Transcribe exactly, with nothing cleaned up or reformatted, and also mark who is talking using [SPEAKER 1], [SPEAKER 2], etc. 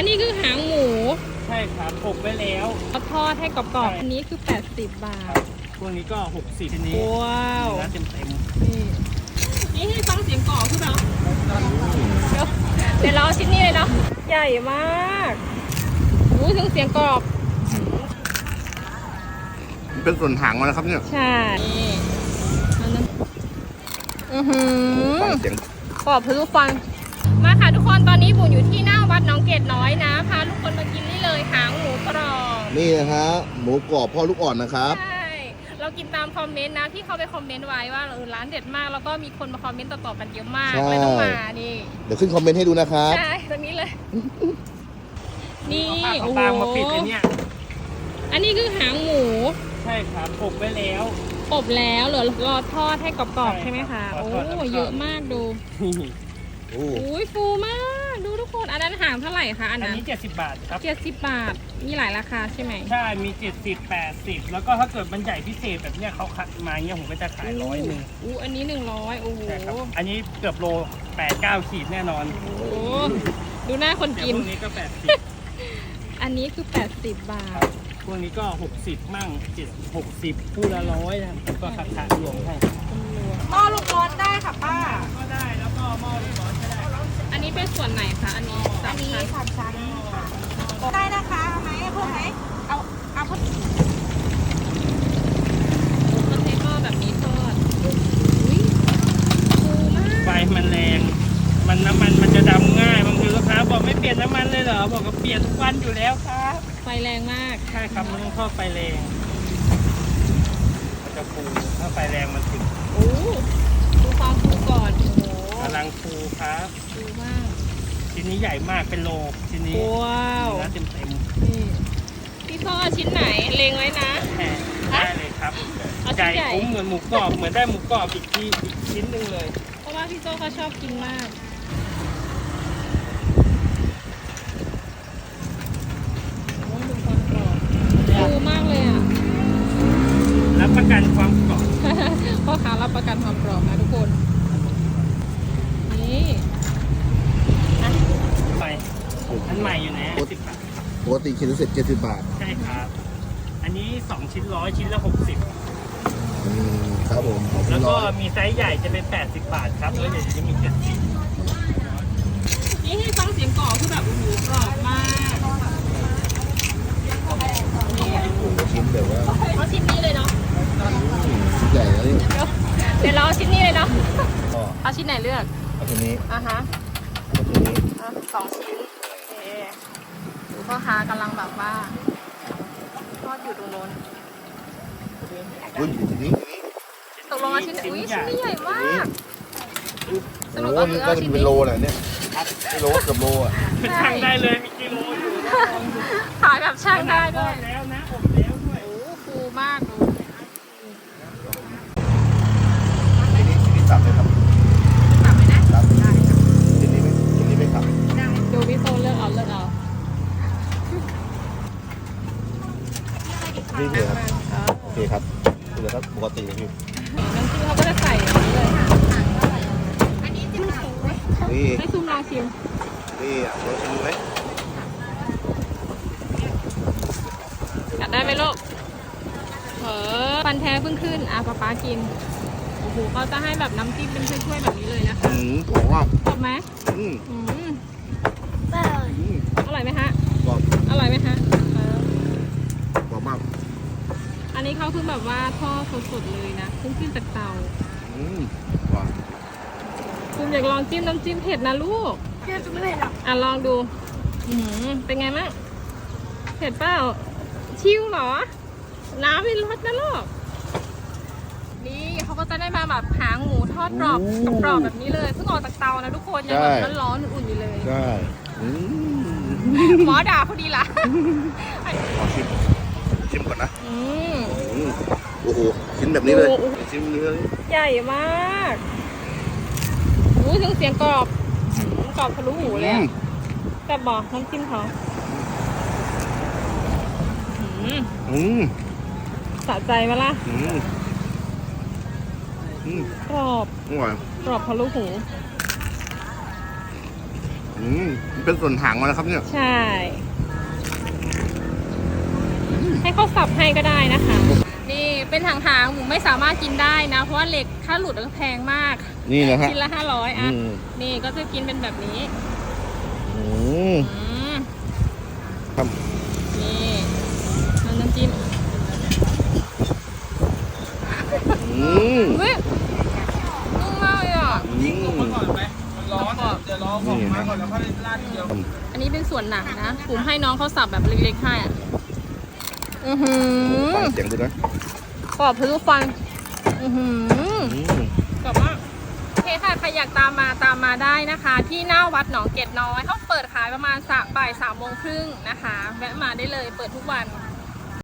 [SPEAKER 1] นนี้คือหางหมู
[SPEAKER 2] ใช่ครับอบไว้แล้ว
[SPEAKER 1] ทอดให้กรอบๆอันนี้คือแปดสิบบาท
[SPEAKER 2] ตัวนี้ก็หกสิบทีนี้
[SPEAKER 1] ว้าว
[SPEAKER 2] เนื้อเต็มเต็ม
[SPEAKER 1] นี่นี่ให้ฟังเสียงกรอบคือเปล่าเดี๋ยวเดี๋ยวเราชิ้นนี้เลยเนาะใหญ่มากอู้ถึงเสียงกรอบ
[SPEAKER 3] เป็นส่วนหางมันนะครับเนี่ย
[SPEAKER 1] ใช่อือหือ
[SPEAKER 3] เสียง
[SPEAKER 1] กรอบทะลุฟันมาค่ะทุกคนตอนนี้บุ๋มอยู่ที่หน้าวัดหนองเกตน้อยนะพาทุกคนมากินนี่เลยหางหมูกรอบ
[SPEAKER 3] นี่นะฮะหมูกรอบพ่อลูกอ่อนนะครับ
[SPEAKER 1] ใช่เรากินตามคอมเมนต์นะที่เขาไปคอมเมนต์ไว้ว่าเออร้านเด็ดมากแล้วก็มีคนมาคอมเมนต์ต่อๆกันเยอะมากเลยต้องมานี่
[SPEAKER 3] เดี๋ยวขึ้นคอมเมนต์ให้ดูนะครับ
[SPEAKER 1] ใช่ตรงนี้เลยนี่
[SPEAKER 2] โอ้โหมาปิดเลยเนี่ย
[SPEAKER 1] อันนี้คือหางหมู
[SPEAKER 2] ใช่ครับอบไว้แล้ว
[SPEAKER 1] อบแล้วเหลือรอทอดให้กรอบๆใช่ไหมคะโอ้เยอะมากดูโอ้ยฟูมากดูทุกคนอันนั้นหางเท่าไหร่คะอันนั้น
[SPEAKER 2] อันนี้เจ็ดสิบบาทครับ
[SPEAKER 1] เจ็ดสิบบาทมีหลายราคาใช่ไหม
[SPEAKER 2] ใช่มีเจ็ดสิบแปดสิบแล้วก็ถ้าเกิดมันใหญ่พิเศษแบบเนี้ยเขาคัดมาเนี้ยผมก็จะขายร้อยหนึ่ง
[SPEAKER 1] อู้อันนี้หนึ่งร้อยโอ้โห
[SPEAKER 2] อันนี้เกือบโลแปดเก้าขีดแน่นอน
[SPEAKER 1] โอ้ดูหน้าคนกิน
[SPEAKER 2] พวกนี้ก็แปดสิบ
[SPEAKER 1] อันนี้คือแปดสิบบาท
[SPEAKER 2] พวกนี้ก็หกสิบมั่งเจ็ดหกสิบคู่ละร้อยนะก็คัดคัดรวมให้
[SPEAKER 1] หม้อลูกร้อนได้ค่ะป้า
[SPEAKER 2] ก็ได้แล้วก็หม้อลูกร้อนก็ได้
[SPEAKER 1] อันนี้เป็นส่วนไหนคะอันนี้
[SPEAKER 4] อันนี้สามชั้นได้นะคะเอาไหมเพิ่มไหมเอาเอาเพิ่ม
[SPEAKER 1] มันใช้หม้อแบบนี้ทอดอุ้ยฟูมาก
[SPEAKER 2] ไฟมันแรงมันน้ำมันมันจะดำง่ายบางทีลูกค้าบอกไม่เปลี่ยนน้ำมันเลยเหรอบอกก็เปลี่ยนทุกวันอยู่แล้วครับ
[SPEAKER 1] ไฟแรงมาก
[SPEAKER 2] ใช่ครับมันต้องทอดไฟแรงมันจะฟูถ้าไฟแรงมันถึง
[SPEAKER 1] โอ้ดูความฟูก่อนโอ้โห
[SPEAKER 2] กำลังฟูครับ
[SPEAKER 1] ฟูมาก
[SPEAKER 2] ชิ้นนี้ใหญ่มากเป็นโลชิ้นนี้
[SPEAKER 1] ว้าว
[SPEAKER 2] เนื้อเต็มเต็ม
[SPEAKER 1] นี่พี่ทอดชิ้นไหนเลงไว้นะ
[SPEAKER 2] ได้เลยครับไก่คุ้มเหมือนหมูกรอบเหมือนได้หมูกรอบอีกที่อีกชิ้นหนึ่งเลย
[SPEAKER 1] เพราะว่าพี่โจ้เขาชอบกินมากดูความกรอบฟูมากเลยอ่ะ
[SPEAKER 2] รับประกันความกรอบ
[SPEAKER 1] พ่อค้ารับประกันความกรอบนะทุกคนนี่
[SPEAKER 2] ไปอันใหม่อยู่นะสิบบาท
[SPEAKER 3] ปกติชิ้นละเสร็จเจ็ดสิบบาท
[SPEAKER 2] ใช่ครับอันนี้สองชิ้นร้อยชิ้นละหกสิบ
[SPEAKER 3] อืมครับผม
[SPEAKER 2] แล้วก็มีไซส์ใหญ่จะเป็นแปดสิบบาทครับแล้วเดี๋ยวจะมีเจ็ดสิบ
[SPEAKER 1] นี่ให้ฟังเสียงกรอบคือแบบโอ้โหกรอบมาก
[SPEAKER 3] ชิ้นแบบว่า
[SPEAKER 1] เอาชิ้นนี้เลยเนาะ
[SPEAKER 3] ใหญ่แล้วนี่
[SPEAKER 1] เดี๋ยวเราเอาชิ้นนี้เลยเนาะเอาชิ้นไหนเลือก
[SPEAKER 3] เอาชิ้นนี้
[SPEAKER 1] อ่ะฮะ
[SPEAKER 3] เอาชิ้นนี้
[SPEAKER 1] สองชิ้นโอเคดูพ่อค้ากำลังแบบว่าทอดอยู่ตรงโน้น
[SPEAKER 3] อุ้ยชิ้นนี้
[SPEAKER 1] ตกลงเอาชิ้นอุ้ยชิ้นนี้ใหญ่มาก
[SPEAKER 3] สรุปก็คือเอาชิ้นนี้เป็นโลแหละเนี่ยกิโลเกือบโลอ่ะ
[SPEAKER 2] ช่างได้เลยมีกิโลอยู่
[SPEAKER 1] ขายแบบช่างได้ด้วย
[SPEAKER 2] แล้วนะอบแล้วด้วย
[SPEAKER 1] โอ้ฟูมากดู
[SPEAKER 3] ชิ้นนี้ชิ้นนี้สับเลยครับ
[SPEAKER 1] สับไหมนะ
[SPEAKER 3] สับได้ชิ้นนี้ไม่ชิ้นนี้ไม่สับ
[SPEAKER 1] ได้ดูพี่โตเลือกเอาเลือกเอา
[SPEAKER 3] นี่เลยครับโอเคครับนี่เลยครับปกติเลยพี่
[SPEAKER 1] น้ำจิ้มเขาก็จะใส่อย่างนี้เลย
[SPEAKER 4] อันนี้จิ้มไหน
[SPEAKER 3] นี่
[SPEAKER 1] ให้ซูมลองชิม
[SPEAKER 3] นี่ลองชิมไหม
[SPEAKER 1] อยากได้ไหมลูกเออฟันแท้เพิ่งขึ้นอ่ะป๊าป๊ากินโอ้โหเขาจะให้แบบน้ำจิ้มเป็นถ้วยๆแบบนี้เลยนะคะ
[SPEAKER 3] อืมกรอบมาก
[SPEAKER 1] กรอบไหม
[SPEAKER 3] อืม
[SPEAKER 1] อืม
[SPEAKER 4] อ
[SPEAKER 1] ร่อยไหมฮะ
[SPEAKER 3] กรอบ
[SPEAKER 1] อร่อยไหมฮะ
[SPEAKER 3] กรอบมาก
[SPEAKER 1] อันนี้เขาคือแบบว่าทอดสดๆเลยนะเพิ่งขึ้นจากเตา
[SPEAKER 3] อืมว้าว
[SPEAKER 1] คุณอยากลองจิ้มน้ำจิ้มเผ็ดนะลูก
[SPEAKER 4] เผ็ดไม่เผ็ดหรอก
[SPEAKER 1] อ่ะลองดูอืมเป็นไงมั่งเผ็ดเปล่าชิวเหรอน้ำมีรสนะลูกนี่เขาก็จะได้มาแบบหางหมูทอดกรอบกรอบแบบนี้เลยเพิ่งออกจากเตานะทุกคนยังแบบร้อนๆอุ่นๆอยู่เลย
[SPEAKER 3] ใช่
[SPEAKER 1] หมอด่าพอดีละ
[SPEAKER 3] ขอชิมชิมก่อนนะโอ้โหชิ้นแบบนี้เลยชิ้นนี้เลย
[SPEAKER 1] ใหญ่มากอู้ถึงเสียงกรอบกรอบทะลุหูเลยแต่บอกน้ำจิ้มเขา
[SPEAKER 3] อืม
[SPEAKER 1] สะใจไหมล่ะกรอบ
[SPEAKER 3] อร่อย
[SPEAKER 1] กรอบทะลุหู
[SPEAKER 3] อืมมันเป็นส่วนหางมันนะครับเนี่ย
[SPEAKER 1] ใช่ ให้เขาสับให้ก็ได้นะคะ นี่เป็นหางๆหมูไม่สามารถกินได้นะ เพราะว่าเหล็กถ้าหลุดก็แพงมาก
[SPEAKER 3] นี่นะฮะ
[SPEAKER 1] ชิ้นละห้าร้อยอ่ะ
[SPEAKER 3] อืม
[SPEAKER 1] นี่ก็จะกินเป็นแบบนี้
[SPEAKER 3] อืม
[SPEAKER 1] อืม
[SPEAKER 3] ครับ
[SPEAKER 1] นี่เอาน้ำจิ้ม
[SPEAKER 3] อืม
[SPEAKER 1] เฮ้ยนุ่มมากเลยอ่ะ
[SPEAKER 3] อืม
[SPEAKER 2] ก่อนไหมมันร้อนเดี๋ยวรอของมาก่อนแล้วค่อยราดทีเดียว
[SPEAKER 1] อันนี้เป็นส่วนหนังนะผมให้น้องเขาสับแบบเล็กๆให้อ่ะอือหือ
[SPEAKER 3] ฟังเสียงดูนะ
[SPEAKER 1] กรอบทะลุฟัน อือหือ
[SPEAKER 3] อืม
[SPEAKER 1] กรอบมากโอเคค่ะ ใครอยากตามมาตามมาได้นะคะ ที่หน้าวัดหนองเกร็ดน้อยเขาเปิดขายประมาณสามบ่ายสามโมงครึ่งนะคะ แวะมาได้เลยเปิดทุกวัน